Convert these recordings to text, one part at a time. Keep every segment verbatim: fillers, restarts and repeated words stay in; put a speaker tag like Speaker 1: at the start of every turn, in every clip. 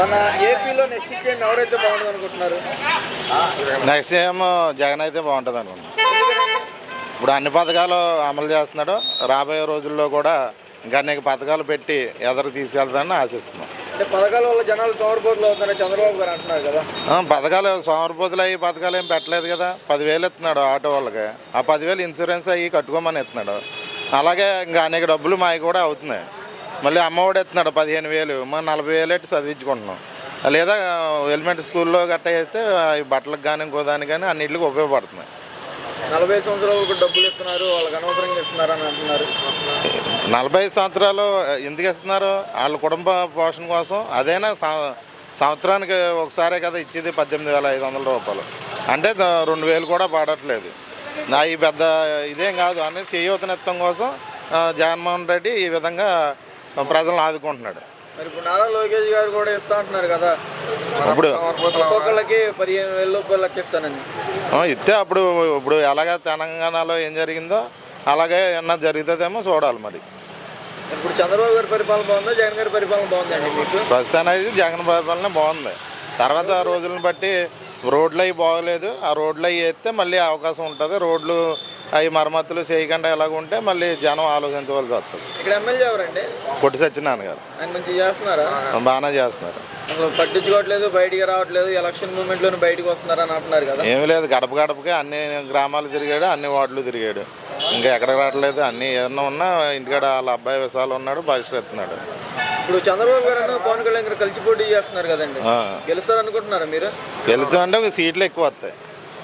Speaker 1: మన ఏపీలో next CM ఎవరైతే బాగుంటుంది అనుకుంటున్నారు?
Speaker 2: నెక్స్ట్ సీఎం జగన్ అయితే బాగుంటుంది అనుకుంటున్నాను. ఇప్పుడు అన్ని పథకాలు అమలు చేస్తున్నాడు. రాబోయే రోజుల్లో కూడా ఇంకా అనేక పథకాలు పెట్టి ఎదరికి తీసుకెళ్తానని ఆశిస్తున్నాం.
Speaker 1: అంటే పథకాల వల్ల జనాలు సోమరిపోతులు అవుతారని చంద్రబాబు గారు అంటున్నారు కదా.
Speaker 2: పథకాలు సోమరిపోతులు అయ్యి పథకాలు ఏం పెట్టలేదు కదా. పదివేలు ఇస్తున్నాడు ఆటో వాళ్ళకి. ఆ పదివేలు ఇన్సూరెన్స్ అయ్యి కట్టుకోమని ఇస్తున్నాడు. అలాగే ఇంకా అనేక డబ్బులు మావి కూడా అవుతున్నాయి. మళ్ళీ అమ్మఒడి ఇస్తున్నాడు పదిహేను వేలు మనం నలభై వేలు ఎట్టి చదివించుకుంటున్నాం. లేదా ఎలిమెంటరీ స్కూల్లో గట్ట అయితే బట్టలకు కానీ ఇంకోదానికి కానీ అన్నింటికి ఉపయోగపడుతున్నాయి.
Speaker 1: నలభై సంవత్సరాలకు డబ్బులు ఇస్తున్నారు, వాళ్ళకి అనవసరంగా ఇస్తున్నారు అని అంటున్నారు.
Speaker 2: నలభై సంవత్సరాలు ఎందుకు ఇస్తున్నారు? వాళ్ళ కుటుంబ పోషణ కోసం. అదైనా సంవత్సరానికి ఒకసారే కదా ఇచ్చేది పద్దెనిమిది వేల ఐదు వందల రూపాయలు అంటే రెండు వేలు కూడా పడట్లేదు. నా ఈ పెద్ద ఇదేం కాదు అనేది చేయూతనిత్తం కోసం జగన్మోహన్ రెడ్డి ఈ విధంగా ప్రజలను ఆదుకుంటున్నాడు.
Speaker 1: మరి ఇప్పుడు నారా లోకేష్ గారు కూడా ఇస్తా అంటున్నారు కదా,
Speaker 2: ఇప్పుడు
Speaker 1: ఒక్కొక్కళ్ళకి పదిహేను వేల రూపాయలు లెక్కిస్తానని
Speaker 2: ఇస్తే అప్పుడు ఇప్పుడు ఎలాగ తెలంగాణలో ఏం జరిగిందో అలాగే ఏమన్నా జరుగుతుందేమో చూడాలి. మరి
Speaker 1: ఇప్పుడు చంద్రబాబు గారి పరిపాలన బాగుందా, జగన్ గారి పరిపాలన బాగుందండి మీకు?
Speaker 2: ప్రస్తుతానికి జగన్ పరిపాలన బాగుంది. తర్వాత రోజులను బట్టి రోడ్లు అవి బాగోలేదు. ఆ రోడ్లు అవి వేస్తే మళ్ళీ అవకాశం ఉంటుంది. రోడ్లు అవి మరమ్మతులు చేయకుండా ఎలాగ ఉంటే మళ్ళీ జనం ఆలోచించవలసి వస్తుంది.
Speaker 1: ఇక్కడ ఎమ్మెల్యే ఎవరండి?
Speaker 2: కొట్టి సత్యనారాయణ గారు.
Speaker 1: ఆయన మంచిగా చేస్తున్నారా?
Speaker 2: బాగానే చేస్తున్నారు.
Speaker 1: అసలు పట్టించుకోవట్లేదు, బయటికి రావట్లేదు, ఎలక్షన్ మూమెంట్లోనే బయటకు వస్తున్నారని అంటున్నారు కదా.
Speaker 2: ఏమీ లేదు, గడప గడపకి అన్ని గ్రామాలు తిరిగాడు, అన్ని వార్డులు తిరిగాడు. ఇంకా ఎక్కడ రావట్లేదు. అన్ని ఏదన్నా ఉన్నా ఇంటికాడ వాళ్ళ అబ్బాయి విశాలు ఉన్నాడు, పరిష్కరిస్తున్నాడు.
Speaker 1: ఇప్పుడు చంద్రబాబు గారు పవన్ కళ్యాణ్ గారు కలిసి పోటీ చేస్తున్నారు కదండి, గెలుస్తారు అనుకుంటున్నారా మీరు?
Speaker 2: గెలుతుంటే సీట్లు ఎక్కువ వస్తాయి.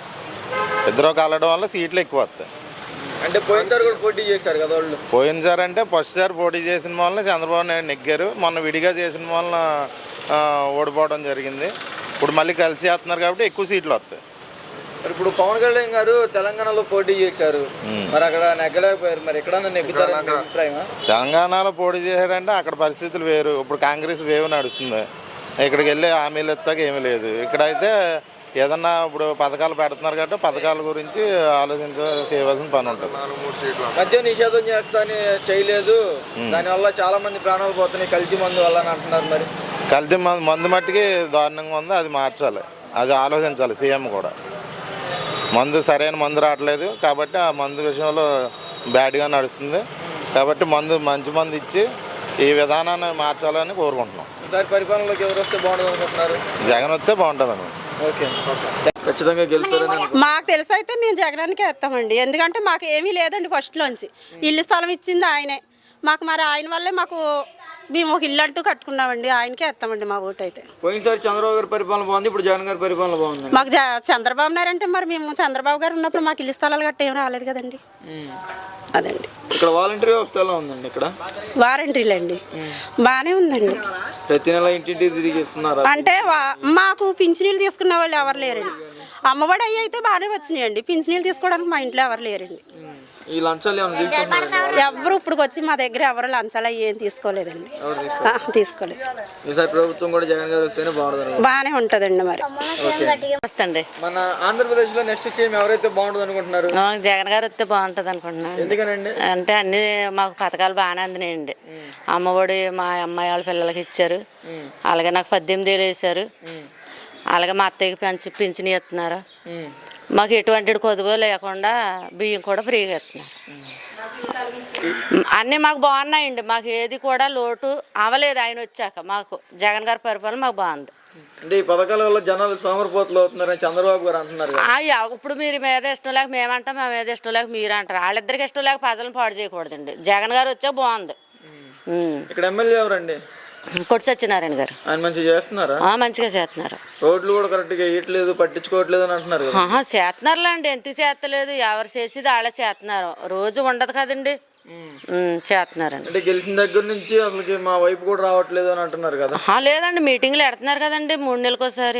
Speaker 2: ఇద్దరు కలవడం వల్ల సీట్లు ఎక్కువ వస్తాయి.
Speaker 1: అంటే పోయినసారి కూడా పోటీ చేశారు కదా వాళ్ళు.
Speaker 2: పోయినసారి అంటే ఫస్ట్ సారి పోటీ చేసిన వలన చంద్రబాబు నాయుడు నెగ్గారు. మొన్న విడిగా చేసిన వలన ఓడిపోవడం జరిగింది. ఇప్పుడు మళ్ళీ కలిసి చేస్తున్నారు కాబట్టి ఎక్కువ సీట్లు వస్తాయి.
Speaker 1: మరి ఇప్పుడు పవన్ కళ్యాణ్ గారు తెలంగాణలో పోటీ చేశారు, మరి అక్కడ నెగ్గలేకపోయారు. మరి ఎక్కడన్నా నెగ్గుతారని అభిప్రాయమా?
Speaker 2: తెలంగాణలో పోటీ చేశారంటే అక్కడ పరిస్థితులు వేరు. ఇప్పుడు కాంగ్రెస్ వేవ్ నడుస్తుంది. ఇక్కడికి వెళ్ళి హామీలు ఎత్తాక ఏమీ లేదు. ఇక్కడైతే ఏదన్నా ఇప్పుడు పథకాలు పెడుతున్నారు కాబట్టి పథకాల గురించి ఆలోచించ చేయవలసిన పని ఉంటుంది.
Speaker 1: మద్యం నిషేధం చేస్తా అని చేయలేదు, దానివల్ల చాలా మంది ప్రాణాలు పోతున్నాయి కల్తీ మందు వల్ల అని అంటున్నారు. మరి
Speaker 2: కల్తీ మందు మందు మట్టికి దారుణంగా ఉంది. అది మార్చాలి, అది ఆలోచించాలి సీఎం కూడా. మందు సరైన మందు రావట్లేదు కాబట్టి ఆ మందు విషయంలో బ్యాడ్గా నడుస్తుంది. కాబట్టి మందు మంచి మందు ఇచ్చి ఈ విధానాన్ని మార్చాలని కోరుకుంటున్నాం.
Speaker 1: ఈసారి పరిపాలనలోకి ఎవరు వస్తే బాగుంటుంది అనుకుంటున్నారు?
Speaker 2: జగన్ వస్తే బాగుంటుంది అన్నమాట.
Speaker 1: ఓకే, ఖచ్చితంగా గెలుస్తారని.
Speaker 3: మాకు తెలిసి అయితే మేము జగనానికే వేస్తామండి. ఎందుకంటే మాకు ఏమీ లేదండి. ఫస్ట్లోంచి ఇల్లు స్థలం ఇచ్చింది ఆయనే మాకు. మరి ఆయన వల్లే మాకు మేము ఒక ఇల్లు అంటూ కట్టుకున్నామండి. ఆయనకే వేస్తామండి మా ఓటు అయితే.
Speaker 1: పోయినసారి చంద్రబాబు గారి పరిపాలన బాగుంది, ఇప్పుడు జగన్ గారి పరిపాలన బాగుంది.
Speaker 3: మాకు చంద్రబాబు నాయుడు అంటే మరి మేము చంద్రబాబు గారు ఉన్నప్పుడు మాకు ఇల్లు స్థలాలు గట్ట ఏం రాలేదు కదండి. అదండి.
Speaker 1: ఇక్కడ వాలంటీర్ వ్యవస్థ ఎలా ఉందండి? ఇక్కడ
Speaker 3: వారంటీలు అండి బాగానే ఉందండి.
Speaker 1: ప్రతి నెల ఇంటింటి తిరిగి ఇస్తున్నారు.
Speaker 3: అంటే మాకు పింఛనీళ్ళు తీసుకునే వాళ్ళు ఎవరు లేరండి. అమ్మఒడి అయ్యి అయితే బాగానే వచ్చినాయండి. పింఛనీళ్ళు తీసుకోవడానికి మా ఇంట్లో ఎవరు లేరండి.
Speaker 1: ఈ లంచాలు ఏమైనా తీసుకుంటున్నారు?
Speaker 3: ఎవరు ఇప్పుడు వచ్చి మా దగ్గర ఎవరు లంచాలు అయ్యి ఏం తీసుకోలేదండి. తీసుకోలేదు.
Speaker 1: ఈసారి ప్రభుత్వం కూడా జగన్ గారు వస్తేనే బాగుంటుంది.
Speaker 3: బాగానే ఉంటుందండి. మరి
Speaker 4: వస్తుంది.
Speaker 1: మన ఆంధ్రప్రదేశ్ లో నెక్స్ట్ సీఎం ఎవరైతే బాగుంటుంది అనుకుంటున్నారు?
Speaker 4: జగన్ గారు వస్తే బాగుంటుంది అనుకుంటున్నాను.
Speaker 1: ఎందుకనండి?
Speaker 4: అంటే అన్ని మాకు పథకాలు బాగానే అందినాయండి. అమ్మఒడి మా అమ్మాయి వాళ్ళ పిల్లలకి ఇచ్చారు. అలాగే నాకు పద్దెనిమిది ఏళ్ళు వేసారు. అలాగే మా అత్తయ్యకి పెంచి పింఛని ఇస్తున్నారు. మాకు ఎటువంటి కొదువు లేకుండా బియ్యం కూడా ఫ్రీగా ఇస్తున్నారు. అన్నీ మాకు బాగున్నాయండి. మాకు ఏది కూడా లోటు అవ్వలేదు ఆయన వచ్చాక. మాకు జగన్ గారి పరిపాలన మాకు బాగుంది.
Speaker 1: అంటే ఈ పథకాల వల్ల జనాలు సోమరిపోతులు అవుతున్నారని చంద్రబాబు గారు అంటున్నారు.
Speaker 4: ఇప్పుడు మీరు మీద ఇష్టం లేక మేమంటాం, మా మీద ఇష్టం లేక మీరు అంటారు. వాళ్ళిద్దరికి ఇష్టం లేక ప్రజలను పాడు చేయకూడదండి. జగన్ గారు వచ్చాక బాగుంది.
Speaker 1: ఇక్కడ ఎమ్మెల్యే ఎవరండి?
Speaker 4: కొట్టి సత్యనారాయణ గారు.
Speaker 1: ఆయన మంచిగా చేస్తున్నారా?
Speaker 4: మంచిగా చేస్తున్నారు.
Speaker 1: రోడ్లు కూడా కరెక్ట్గా వేయట్లేదు, పట్టించుకోవట్లేదు అని అంటున్నారు.
Speaker 4: చేస్తున్నారులే అండి, ఎందుకు చేస్తలేదు? ఎవరు చేసేది వాళ్ళే చేస్తున్నారు. రోజు ఉండదు కదండి, చేస్తున్నారండి.
Speaker 1: అంటే గెలిచిన దగ్గర నుంచి అసలు మా వైపు కూడా రావట్లేదు అని అంటున్నారు కదా.
Speaker 4: లేదండి, మీటింగ్లు పెడుతున్నారు కదండి మూడు నెలలకోసారి.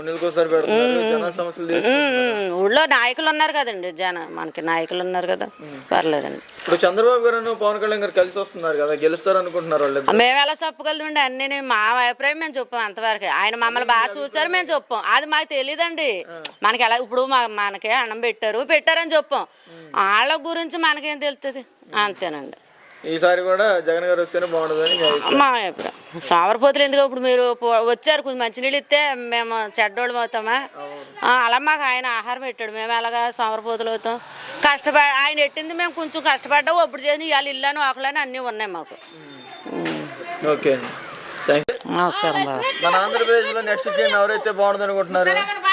Speaker 4: ఊళ్ళో నాయకులు ఉన్నారు కదండి, జన మనకి నాయకులు ఉన్నారు కదా, పర్లేదండి.
Speaker 1: ఇప్పుడు చంద్రబాబు గారు పవన్ కళ్యాణ్ గారు కలిసి వస్తున్నారు కదా, గెలుస్తారు అనుకుంటున్నారు వాళ్ళు?
Speaker 4: మేము ఎలా చెప్పగలమండి? అన్ని మా అభిప్రాయం మేము చెప్పాం అంతవరకు. ఆయన మమ్మల్ని బాగా చూసారు, మేము చెప్పాం. అది మాకు తెలియదండి. మనకి ఎలా ఇప్పుడు మనకి అన్నం పెట్టారు పెట్టారని చెప్పాం. వాళ్ళ గురించి మనకేం తెలుస్తుంది? అంతేనండి.
Speaker 1: ఈసారి కూడా జగన్ గారు వస్తేనే బాగుంటుందని మీ అభిప్రాయం.
Speaker 4: మా ఇప్పుడు సోమరపోతులు ఎందుకు ఇప్పుడు మీరు పో- వచ్చారు కొంచెం మంచినీళ్ళు ఇస్తే మేము చెడ్డోళ్ళం అవుతామా ఆ, అలా మాకు ఆయన ఆహారం పెట్టాడు మేము ఎలాగా సోమరపోతులు అవుతాం కష్టపడి ఆయన పెట్టింది మేము కొంచెం కష్టపడ్డాం ఒప్పుడు చేసి ఇవాళ ఇల్లని ఆకులని అన్నీ ఉన్నాయి మాకు
Speaker 1: ఓకే అండి థ్యాంక్ యూ.
Speaker 5: నమస్కారం బాబు.
Speaker 1: మన ఆంధ్రప్రదేశ్లో నెక్స్ట్ సీఎం ఎవరైతే బాగుంటుంది అనుకుంటున్నారు?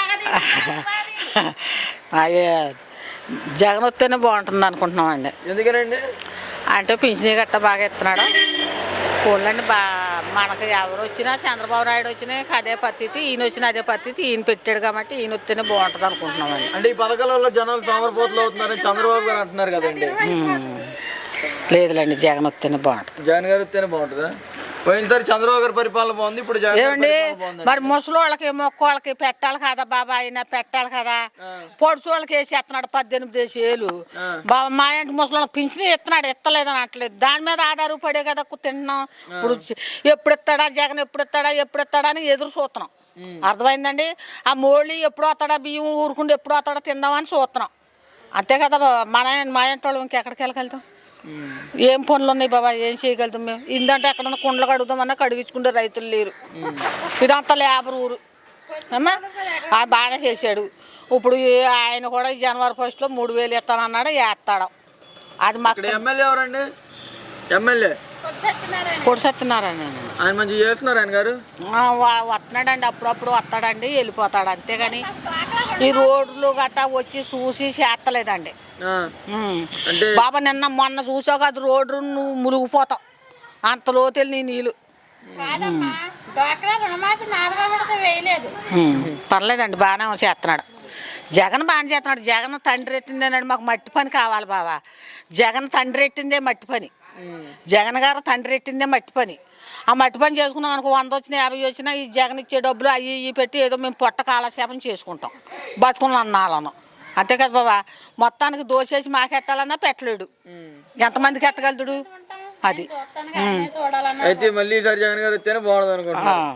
Speaker 5: అయ్యే జగన్ వస్తేనే బాగుంటుంది అనుకుంటున్నామండి.
Speaker 1: ఎందుకనండి?
Speaker 5: అంటే పింఛనీ గట్ట బాగా ఇస్తున్నాడు. పోలండి బా మనకు ఎవరు వచ్చినా చంద్రబాబు నాయుడు వచ్చినా అదే పద్ధతి, ఈయన వచ్చిన అదే పద్ధతి, ఈయన పెట్టాడు కాబట్టి ఈయన వస్తేనే బాగుంటుంది అనుకుంటున్నామండి.
Speaker 1: అంటే ఈ పథకాల వల్ల జనాలు సోమరిపోతులు అవుతున్నారని చంద్రబాబు గారు అంటున్నారు కదండి.
Speaker 5: లేదులేండి జగన్ వస్తేనే బాగుంటుంది.
Speaker 1: జగన్ గారు వస్తేనే బాగుంటుందా? పోయినసారి చంద్రబాబు గారి పరిపాలన బాగుంది, ఇప్పుడు జగన్ గారి
Speaker 5: ఏమండి
Speaker 1: పరిపాలన బాగుందండి.
Speaker 5: మరి ముసలి వాళ్ళకి మొక్క వాళ్ళకి పెట్టాలి కదా బాబా, ఆయన పెట్టాలి కదా. పొడుచు వాళ్ళకి వేసి ఎత్తున్నాడు పద్దెనిమిది వేసి ఏళ్ళు బాబా. మా ఇంటి ముసలి వాళ్ళకి పింఛని ఇస్తున్నాడు, ఇస్తలేదని అనట్లేదు. దాని మీద ఆధారపడే కదా తింటున్నాం. ఇప్పుడు ఎప్పుడు ఇస్తాడా జగన్, ఎప్పుడు ఇస్తాడా ఎప్పుడు ఇస్తాడా అని ఎదురు చూస్తున్నాం. అర్థమైందండి. ఆ మోళీ ఎప్పుడు వస్తాడా, బియ్యం ఊరుకుంటే ఎప్పుడు వస్తాడా తిందామని చూస్తున్నాం. అంతే కదా బాబా. మన మా ఇంటి వాళ్ళు ఇంకెక్కడికి వెళ్ళగలుగుతాం? ఏం పనులు ఉన్నాయి బాబా, ఏం చేయగలుగుతాం మేము? ఇందంటే ఎక్కడన్నా కుండలు కడుగుతామన్నా కడిగించుకుంటే రైతులు లేరు. ఇదంతా లేబర్ ఊరు అమ్మా. ఆ బాగానే చేశాడు. ఇప్పుడు ఈ- ఆయన కూడా ఈ జనవరి ఫస్ట్లో మూడు వేలు ఇస్తానన్నాడు, వేస్తాడు. అది మాకు
Speaker 1: ఇక్కడ ఎమ్మెల్యే ఎవరండి? ఎమ్మెల్యే
Speaker 5: పొడి సత్యనారాయణ
Speaker 1: ఆయన మంచిగా చేస్తున్నారు ఆయన గారు.
Speaker 5: వస్తున్నాడండి, అప్పుడప్పుడు వస్తాడండి, వెళ్ళిపోతాడు. అంతేగాని ఈ రోడ్లు గట్టా వచ్చి చూసి చేస్తలేదండి.
Speaker 1: ఆ,
Speaker 5: ఉమ్.
Speaker 1: అంటే
Speaker 5: బాబా నిన్న మొన్న చూసావు కదా రోడ్డు, నువ్వు మునిగిపోతావు అంత లోతెళ్ళి నీ నీళ్ళు. ఉమ్. పర్లేదండి బాగానే చేస్తున్నాడు. జగన్ బాగానే చేస్తున్నాడు. జగన్ తండ్రి ఎట్టిందేనండి మాకు మట్టి పని కావాలి బాబా. జగన్ తండ్రి ఎట్టిందే మట్టి పని, జగన్ గారు తండ్రి ఎట్టిందే మట్టి పని. ఆ మట్టి పని చేసుకున్నాం అనుకో, వంద వచ్చినా యాభై వచ్చినా ఈ జగన్ ఇచ్చే డబ్బులు అవి ఇవి పెట్టి ఏదో మేము పొట్ట కాలక్షేపం చేసుకుంటాం, బతుకున్న అన్నాలను. అంతే కదా బాబా. మొత్తానికి దోసేసి మాకెట్టాలన్నా పెట్టలేడు. ఎంతమందికి ఎట్టగలుగుతాడు అది.
Speaker 1: అయితే మళ్ళీ ఈసారి జగన్ గారు వస్తేనే బాగుంటుంది అనుకుంటున్నాను.